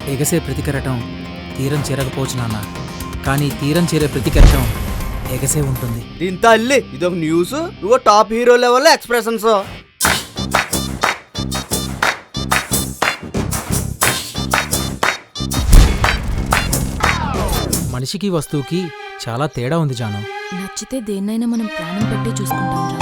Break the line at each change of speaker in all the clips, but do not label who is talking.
ఎగసే ప్రతి కెరటం తీరం చేరకపోవచ్చు నాన్న, కానీ తీరం చేరే ప్రతి కెరటం ఎగసే ఉంటుంది.
దీంతో అల్లి ఇదొక న్యూస్, నువ్వు టాప్ హీరో లెవెల్లో ఎక్స్ప్రెషన్స్.
మనిషికి వస్తువుకి చాలా తేడా ఉంది జాను.
నచ్చితే దేన్నైనా మనం ప్రాణం పెట్టి చూసుకుంటాం రా.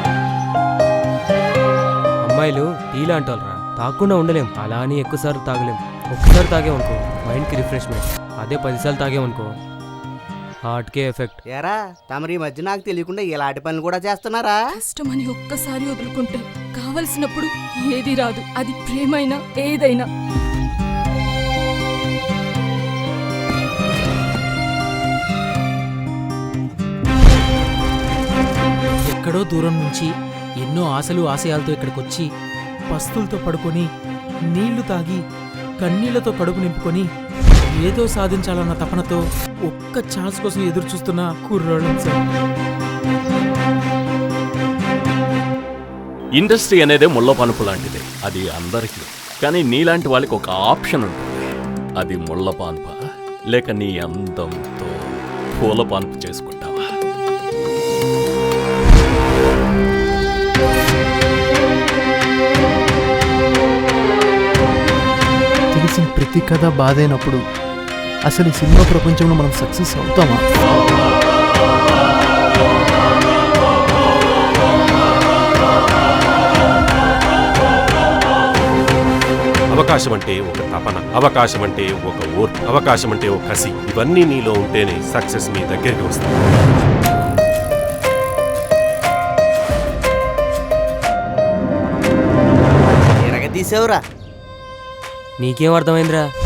అమ్మాయిలు టీ లాంటోళ్ళరా, తాగకుండా ఉండలేం. అలా అని ఎక్కువసార్లు తాగలేం. ఒక్కసారి తాగేమనుకో మైండ్కి రిఫ్రెష్మెంట్, అదే 10 సార్లు తాగేమనుకో హార్ట్కే ఎఫెక్ట్.
ఏరా తమరి మధ్య నాకు తెలియకుండా ఇలాంటి పనులు కూడా చేస్తున్నారా?
కష్టమని ఒక్కసారి వదులుకుంటే కావలసినప్పుడు ఏది రాదు, అది ప్రేమైనా ఏదైనా.
ఎక్కడో దూరం నుంచి ఎన్నో ఆశలు ఆశయాలతో ఇక్కడికొచ్చి పస్తులతో పడుకొని నీళ్లు తాగి కన్నీళ్లతో కడుపు నింపుకొని ఏదో సాధించాలన్న తపనతో ఒక్క ఛాన్స్ కోసం ఎదురు చూస్తున్న కుర్రాళ్ళం సార్.
ఇండస్ట్రీ అనేది ముళ్ళ పనుపు లాంటిది, అది అందరికీ. కానీ నీలాంటి వాళ్ళకి ఒక ఆప్షన్ ఉంటుంది, అది ముళ్ళ పాన్ప లేక నీ అందంతో పూల పాన్పు చేసుకుంటావా?
తెలిసిన ప్రతి కథ బాధైనప్పుడు అసలు ఈ సినిమా ప్రపంచంలో మనం సక్సెస్ అవుతామా?
అవకాశం అంటే ఒక తపన, అవకాశం అంటే ఒక ఓర్పు, అవకాశం అంటే ఒక కసి. ఇవన్నీ నీలో ఉంటేనే సక్సెస్ మీ దగ్గరికి వస్తుంది.
తీసేవురా.
నీకేం అర్థమైందిరా?